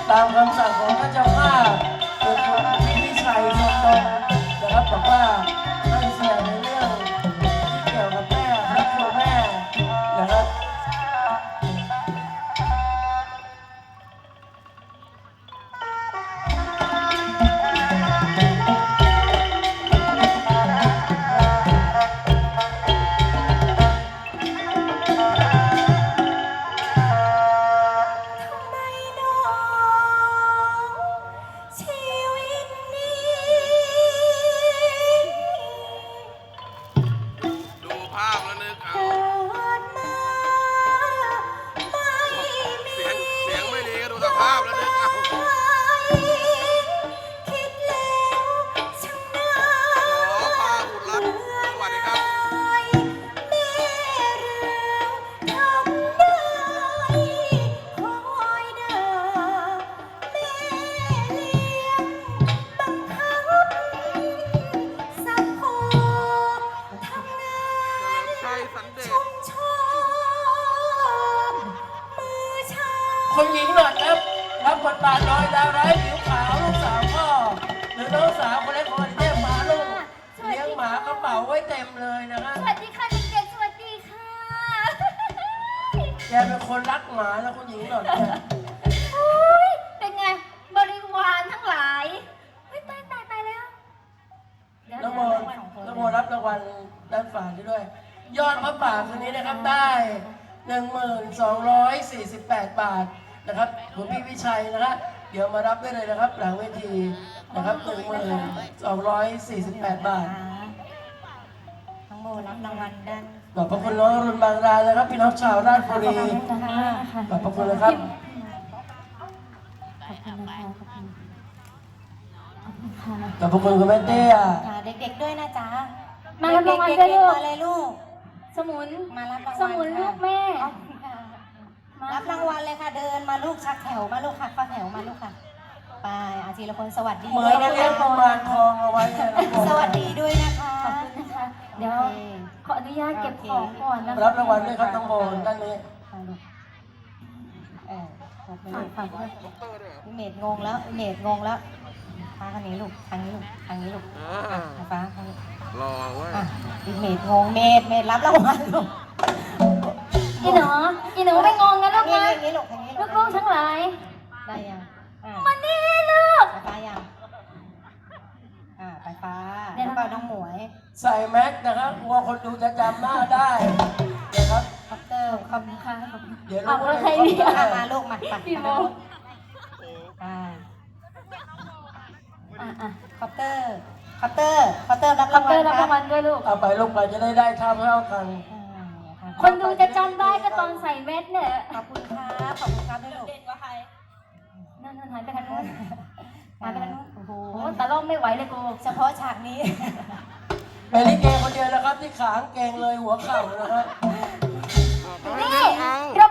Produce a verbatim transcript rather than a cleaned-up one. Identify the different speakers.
Speaker 1: ตามคำสั่งของท่านเจ้าภาพคือคุณพี่วิชัยทรงตรงนะครับบอกว่าให้แสดงในเรื่องที่เกี่ยวกับแม่ครอบครัวแม่นะครับคุณหญิงหนอดครับรับบทบาทโดยดาวร้ายผิวขาวลูกสาวพ่อหรือน้องสาวคนเล็กคนเรียกหมาลูกเลี้ยงหมากระเป๋าไว้เต็มเลยนะครับ
Speaker 2: สวัสดีค่ะเด็กๆสวัสดีค่ะ
Speaker 1: แกเป็นคนรักหมาแล้วคุณหญิงหนอดเนี่ย
Speaker 2: โอ้ยเป็นไงบริวารทั้งหลายเฮ้ยตายตายตายแล้ว
Speaker 1: น้องโมน้องโมรับรางวัลด้านฝ่าด้วย ยอดพระป่าคืนนี้นะครับได้หนึ่งหมื่นสองร้อยสี่สิบแปดบาทนะครับคุณพี่วิชัยนะครับเดี๋ยวมารับได้เลยนะครับหลังเวทีนะครับหนึ่งหมื่นสองร้อยสี่สิบแปดบาท
Speaker 2: น้องโมรับรางวัลด้าน
Speaker 1: ขอบพระคุณน้องอรุณบางรายนะครับพี่น้องชาวราชบุรีขอบพระคุณนะครับ
Speaker 2: ขอบคุณนะคะขอบคุณ
Speaker 1: ขอบพระคุณคุณแม่เตี้ย
Speaker 3: ค่ะเด็กๆด้วยนะจ๊ะ
Speaker 2: มารับรางวัล
Speaker 3: เด็
Speaker 2: ด้วย
Speaker 3: กๆ
Speaker 2: ลูก
Speaker 3: มาเลยลูก
Speaker 2: สมุน
Speaker 3: มารับรางวัล
Speaker 2: สมุนลูกแม่
Speaker 3: ค่ะรับรางวัลเลยค่ะเดินมาลูกชักแถวมาลูกค่ะเข้าแถวมาลูกค่ะไปอาทีละคนสวัสดี
Speaker 1: เหมื
Speaker 3: ด้
Speaker 1: อ
Speaker 3: วน ย
Speaker 1: กั
Speaker 3: นะ
Speaker 1: นเลี้ย
Speaker 3: คะ
Speaker 1: งกุมารทองเอาไว้เนี่ยน้องโม
Speaker 3: สวัสดีด้วยนะคะ
Speaker 2: ขอบคุณนะคะ เดี๋ยวขออนุญาตเก็บของก่อนนะคะ
Speaker 1: รับรางวัลด้วยครับน้องโมด้านนี้
Speaker 3: ค่ะลูกเออขอบคุณ
Speaker 2: ฝา
Speaker 3: ลู
Speaker 2: ก
Speaker 3: ก
Speaker 2: ฝากด้วย
Speaker 3: พี่เมดงงแล้วพี่เมดงงแล้วฟ้าทางนี้ลูกทางนี้ลูกทางนี้ลูกอ่ะฟ้าทางนี้
Speaker 4: รอเว้ย
Speaker 3: อ่ะพี่เมดงงเมดเมดรับรางวัลลูก
Speaker 2: อีหนูอีหนูไม่งงนะลูก
Speaker 3: นี่
Speaker 2: นะ
Speaker 3: นี่ลูกทางนี้ลู
Speaker 2: ลูกๆทั้งหลาย
Speaker 3: ได้ยังอ่ะ
Speaker 2: มานี่ลูก
Speaker 3: ไปฟ้ายังอ่าไปฟ้าแล้วก็น้องหมวย
Speaker 1: ใส่แมสนะครับกลัวคนดูจะจำหน้าได้นะครับ
Speaker 3: คอปเตอร์
Speaker 2: ขอบคุณค่ะขอบคุณ
Speaker 1: เดี๋ยว
Speaker 2: เอา
Speaker 1: รู้
Speaker 2: แล้วใคร
Speaker 1: ว่า
Speaker 2: เนี่ย
Speaker 3: อ่ะมาลูกมาไป
Speaker 2: พี่โม
Speaker 3: อ่า
Speaker 2: อ่ะอ่ะ
Speaker 3: คอปเตอร์คอปเตอร์คอปเตอร์รับ
Speaker 2: ขอ
Speaker 3: รา
Speaker 2: บ
Speaker 3: งวั
Speaker 2: คุ
Speaker 3: ล
Speaker 2: ณรับ
Speaker 3: ครั
Speaker 2: รา
Speaker 3: บ
Speaker 2: งวัลด้วยลูก
Speaker 1: เอาไปลงไปจะได้ได้เท่าเท่ากัน
Speaker 3: อ่าค่ะ
Speaker 2: คนดูจะจำได้ก็ตอนใส่แมสเนี่ย
Speaker 3: ขอบคุณครับขอบคุณครับด้วยลูก
Speaker 2: นั่นนั่นหันไปทางนู้นหันไปทางนู้น
Speaker 3: โอ้โห
Speaker 2: โอ้ตาล่อมไม่ไหวเลยกู
Speaker 3: เฉพาะฉากนี้
Speaker 1: เป็นลิเกคนเดียวนะครับที่ขางเกงเลยหัวเข่านะครับ
Speaker 2: นี่เรา